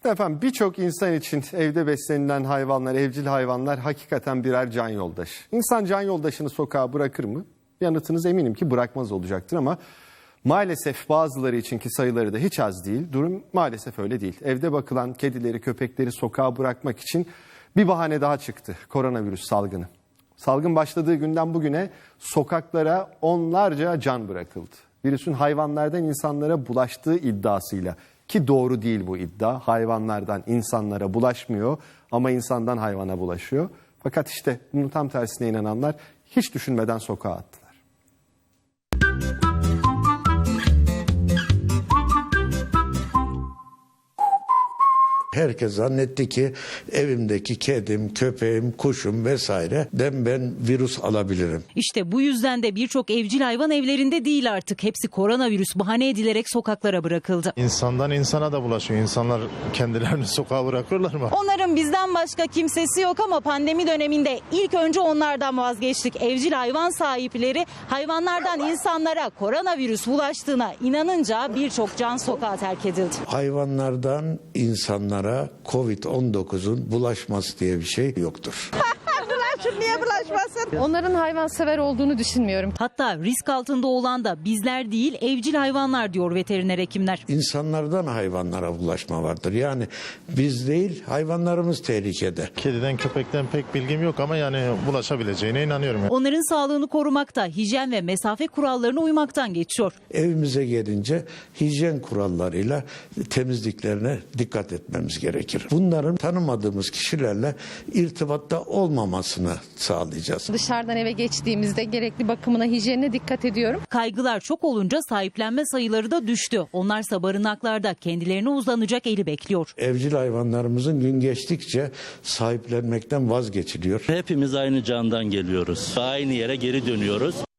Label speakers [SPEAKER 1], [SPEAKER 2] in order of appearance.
[SPEAKER 1] Efendim birçok insan için evde beslenilen hayvanlar, evcil hayvanlar hakikaten birer can yoldaşı. İnsan can yoldaşını sokağa bırakır mı? Yanıtınız eminim ki bırakmaz olacaktır ama maalesef bazıları için ki sayıları da hiç az değil. Durum maalesef öyle değil. Evde bakılan kedileri, köpekleri sokağa bırakmak için bir bahane daha çıktı. Koronavirüs salgını. Salgın başladığı günden bugüne sokaklara onlarca can bırakıldı. Virüsün hayvanlardan insanlara bulaştığı iddiasıyla, ki doğru değil bu iddia. Hayvanlardan insanlara bulaşmıyor ama insandan hayvana bulaşıyor. Fakat işte bunun tam tersine inananlar hiç düşünmeden sokağa attılar.
[SPEAKER 2] Herkes zannetti ki evimdeki kedim, köpeğim, kuşum vesaireden ben virüs alabilirim.
[SPEAKER 3] İşte bu yüzden de birçok evcil hayvan evlerinde değil artık. Hepsi koronavirüs bahane edilerek sokaklara bırakıldı.
[SPEAKER 4] İnsandan insana da bulaşıyor. İnsanlar kendilerini sokağa bırakırlar mı?
[SPEAKER 3] Onların bizden başka kimsesi yok ama pandemi döneminde ilk önce onlardan vazgeçtik. Evcil hayvan sahipleri hayvanlardan insanlara koronavirüs bulaştığına inanınca birçok can sokağa terk edildi.
[SPEAKER 2] Hayvanlardan insanlara Covid-19'un bulaşması diye bir şey yoktur.
[SPEAKER 5] Niye bulaşmasın?
[SPEAKER 6] Onların hayvansever olduğunu düşünmüyorum.
[SPEAKER 3] Hatta risk altında olan da bizler değil evcil hayvanlar diyor veteriner hekimler.
[SPEAKER 2] İnsanlardan hayvanlara bulaşma vardır. Yani biz değil, hayvanlarımız tehlikede.
[SPEAKER 4] Kediden, köpekten pek bilgim yok ama yani bulaşabileceğine inanıyorum.
[SPEAKER 3] Onların sağlığını korumakta hijyen ve mesafe kurallarına uymaktan geçiyor.
[SPEAKER 2] Evimize gelince hijyen kurallarıyla temizliklerine dikkat etmemiz gerekir. Bunların tanımadığımız kişilerle irtibatta olmamasını sağlayacağız.
[SPEAKER 6] Dışarıdan eve geçtiğimizde gerekli bakımına, hijyenine dikkat ediyorum.
[SPEAKER 3] Kaygılar çok olunca sahiplenme sayıları da düştü. Onlarsa barınaklarda kendilerine uzanacak eli bekliyor.
[SPEAKER 2] Evcil hayvanlarımızın gün geçtikçe sahiplenmekten vazgeçiliyor.
[SPEAKER 7] Hepimiz aynı candan geliyoruz. Aynı yere geri dönüyoruz.